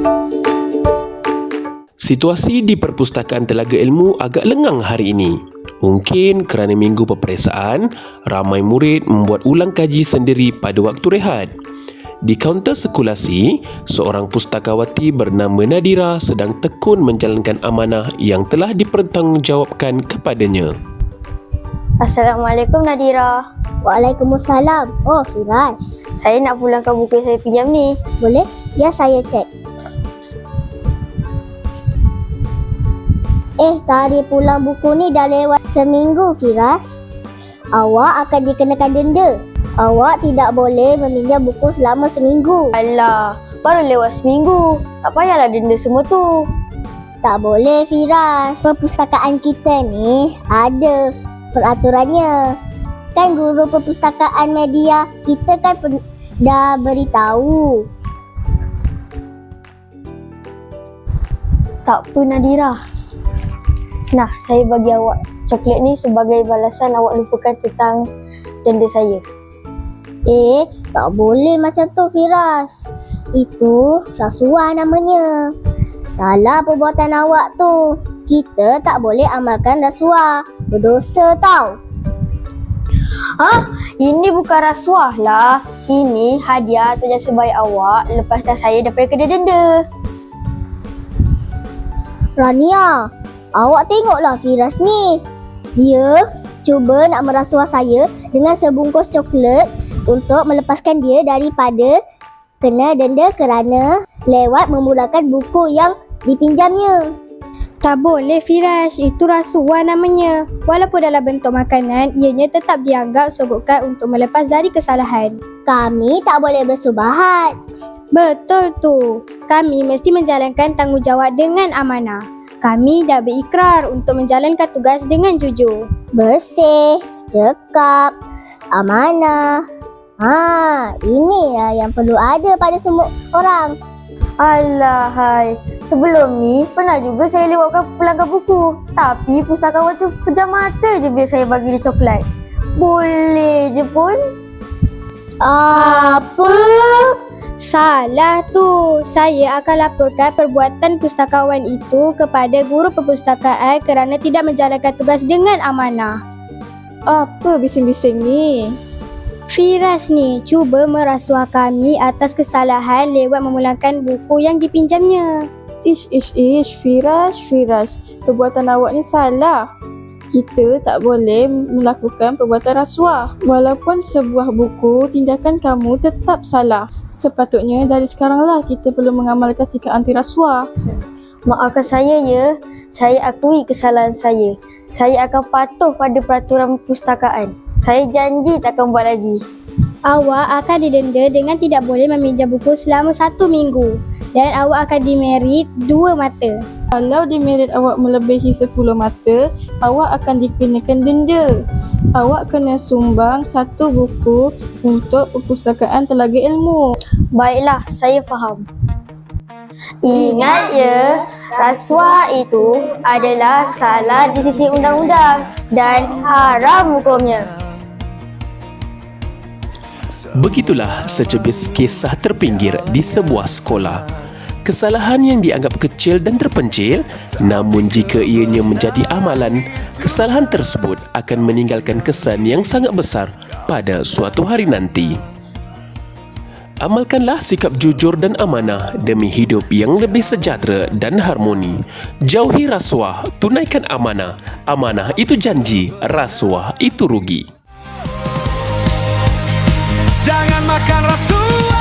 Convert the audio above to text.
Situasi di Perpustakaan Telaga Ilmu agak lengang hari ini. Mungkin kerana minggu peperiksaan, ramai murid membuat ulang kaji sendiri pada waktu rehat. Di kaunter sirkulasi, seorang pustakawati bernama Nadira sedang tekun menjalankan amanah yang telah dipertanggungjawabkan kepadanya. Assalamualaikum Nadira. Waalaikumsalam. Oh, Firas. Saya nak pulangkan buku yang saya pinjam ni. Boleh? Ya, saya cek. Tarikh pulang buku ni dah lewat seminggu, Firas. Awak akan dikenakan denda. Awak tidak boleh meminjam buku selama seminggu. Alah, baru lewat seminggu. Tak payahlah denda semua tu. Tak boleh, Firas. Perpustakaan kita ni ada peraturannya. Kan guru perpustakaan media kita kan dah beritahu. Tak apa Nadira. Nah, saya bagi awak coklat ni sebagai balasan awak lupakan tentang denda saya. Tak boleh macam tu, Firas. Itu rasuah namanya. Salah perbuatan awak tu. Kita tak boleh amalkan rasuah. Berdosa tau. Ini bukan rasuah lah. Ini hadiah atau jasa baik awak lepaskan saya daripada kena denda. Rania, awak tengoklah Firas ni. Dia cuba nak merasuah saya dengan sebungkus coklat untuk melepaskan dia daripada kena denda kerana lewat memulakan buku yang dipinjamnya. Tak boleh Firas, itu rasuah namanya. Walaupun dalam bentuk makanan, ianya tetap dianggap sogokan untuk melepas dari kesalahan. Kami tak boleh bersubahat. Betul tu. Kami mesti menjalankan tanggungjawab dengan amanah. Kami dah berikrar untuk menjalankan tugas dengan jujur. Bersih, cekap, amanah. Inilah yang perlu ada pada semua orang. Alahai, sebelum ni pernah juga saya lewatkan pulangkan buku. Tapi pustakawan tu pejam mata je bila saya bagi dia coklat. Boleh je pun. Apa? Salah tu. Saya akan laporkan perbuatan pustakawan itu kepada guru perpustakaan kerana tidak menjalankan tugas dengan amanah. Apa bising-bising ni? Firas ni cuba merasuah kami atas kesalahan lewat memulangkan buku yang dipinjamnya. Ish, Firas. Perbuatan awak ni salah. Kita tak boleh melakukan perbuatan rasuah. Walaupun sebuah buku, tindakan kamu tetap salah. Sepatutnya dari sekaranglah kita perlu mengamalkan sikap anti rasuah. Maafkan saya ya. Saya akui kesalahan saya. Saya akan patuh pada peraturan perpustakaan. Saya janji tak akan buat lagi. Awak akan didenda dengan tidak boleh meminjam buku selama 1 minggu. Dan awak akan dimerit 2 mata. Kalau demerit awak melebihi 10 mata, awak akan dikenakan denda. Awak kena sumbang 1 buku untuk Perpustakaan Telaga Ilmu. Baiklah, saya faham. Ingat ya, rasuah itu adalah salah di sisi undang-undang dan haram hukumnya. Begitulah secebis kisah terpinggir di sebuah sekolah. Kesalahan yang dianggap kecil dan terpencil, namun jika ianya menjadi amalan, kesalahan tersebut akan meninggalkan kesan yang sangat besar pada suatu hari nanti. Amalkanlah sikap jujur dan amanah demi hidup yang lebih sejahtera dan harmoni. Jauhi rasuah, tunaikan amanah. Amanah itu janji, rasuah itu rugi. Jangan makan rasuah.